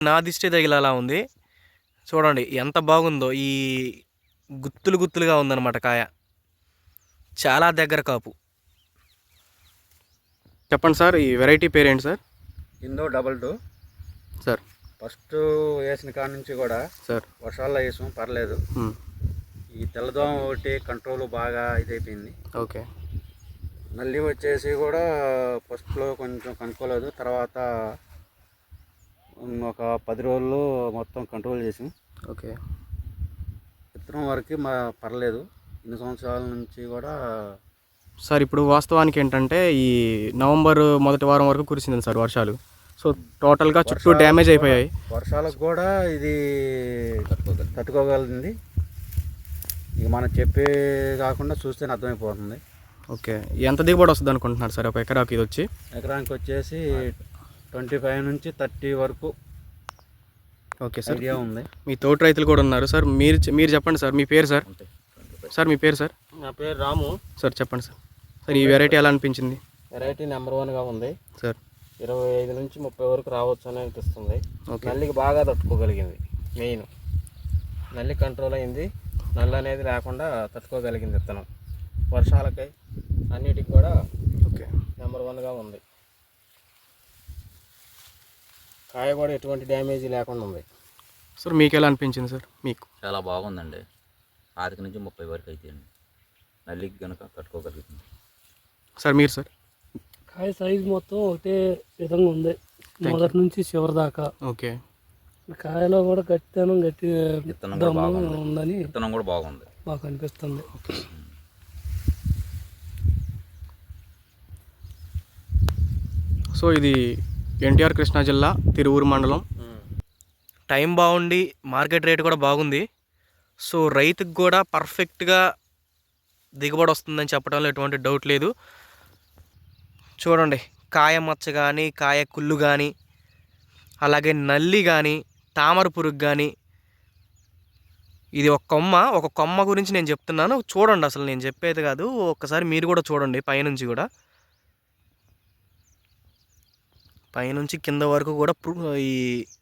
నా దిష్టి తగిలేలా ఉంది. చూడండి ఎంత బాగుందో. ఈ గుత్తులు గుత్తులుగా ఉందన్నమాట కాయ. చాలా దగ్గర కాపు. చెప్పండి సార్, ఈ వెరైటీ పేరేంటి సార్? ఇందో 22 సార్. ఫస్ట్ వేసిన కాడ నుంచి కూడా సార్ వర్షాల్లో వేసాం, పర్లేదు. ఈ తెల్లదోమ ఒకటి కంట్రోల్ బాగా ఇదైపోయింది. ఓకే. నల్లి వచ్చేసి కూడా ఫస్ట్లో కొంచెం కనుక్కోలేదు, తర్వాత ఒక 10 రోజుల్లో మొత్తం కంట్రోల్ చేసాం. ఓకే. విత్తనం వరకు పర్లేదు. ఇన్ని సంవత్సరాల నుంచి కూడా సార్ ఇప్పుడు వాస్తవానికి ఏంటంటే ఈ నవంబర్ మొదటి వారం వరకు కురిసింది సార్ వర్షాలు. సో టోటల్గా చుట్టూ డ్యామేజ్ అయిపోయాయి. వర్షాలకు కూడా ఇది తట్టుకోగలిగింది. ఇక మనం చెప్పే కాకుండా చూస్తేనే అర్థమైపోతుంది. ఓకే. ఎంత దిగుబడి వస్తుంది అనుకుంటున్నారు సార్ ఒక ఎకరాకి? ఇది వచ్చి ఎకరానికి వచ్చేసి 25 నుంచి 30 వరకు. Okay sir. ఐడియా ఉంది. మీ తోటి రైతులు కూడా ఉన్నారు సార్. మీరు చెప్పండి సార్, మీ పేరు సార్? సార్ మీ పేరు సార్? నా పేరు రాము సార్. చెప్పండి సార్. సార్ ఈ వెరైటీ ఎలా అనిపించింది? వెరైటీ నెంబర్ 1గా ఉంది సార్. 25 నుంచి 30 వరకు రావచ్చు అని అనిపిస్తుంది. నల్లికి బాగా తట్టుకోగలిగింది. మెయిన్ నల్లి కంట్రోల్ అయింది. నల్లి అనేది లేకుండా తట్టుకోగలిగింది విత్తనం. వర్షాలకై అన్నిటికి కూడా ఓకే నెంబర్ 1గా ఉంది. కాయ కూడా ఎటువంటి డ్యామేజ్ లేకుండా ఉంది. సార్ మీకు ఎలా అనిపించింది సార్? మీకు చాలా బాగుందండి. 5 నుంచి 30 వరకు అయితే అండి నల్లికి కనుక తట్టుకోగలుగుతుంది. సార్ మీరు సార్? కాయ సైజు మొత్తం ఒకటే విధంగా ఉంది, మొదటి నుంచి చివరి దాకా. ఓకే. కాయలో కూడా గట్టితనం ఉందని విత్తనం కూడా బాగుంది, మాకు అనిపిస్తుంది. సో ఇది ఎన్టీఆర్ కృష్ణా జిల్లా తిరువూరు మండలం. టైం బాగుండి మార్కెట్ రేట్ కూడా బాగుంది. సో రైతుకు కూడా పర్ఫెక్ట్గా దిగుబడి వస్తుందని చెప్పడంలో ఎటువంటి డౌట్ లేదు. చూడండి కాయ మచ్చ కానీ, కాయ కుళ్ళు కానీ, అలాగే నల్లి కానీ, తామర పురుగు కానీ. ఇది ఒక కొమ్మ గురించి నేను చెప్తున్నాను, చూడండి. అసలు నేను చెప్పేది కాదు, ఒక్కసారి మీరు కూడా చూడండి. పైనుంచి కూడా, పైనుంచి కింద వరకు కూడా ఈ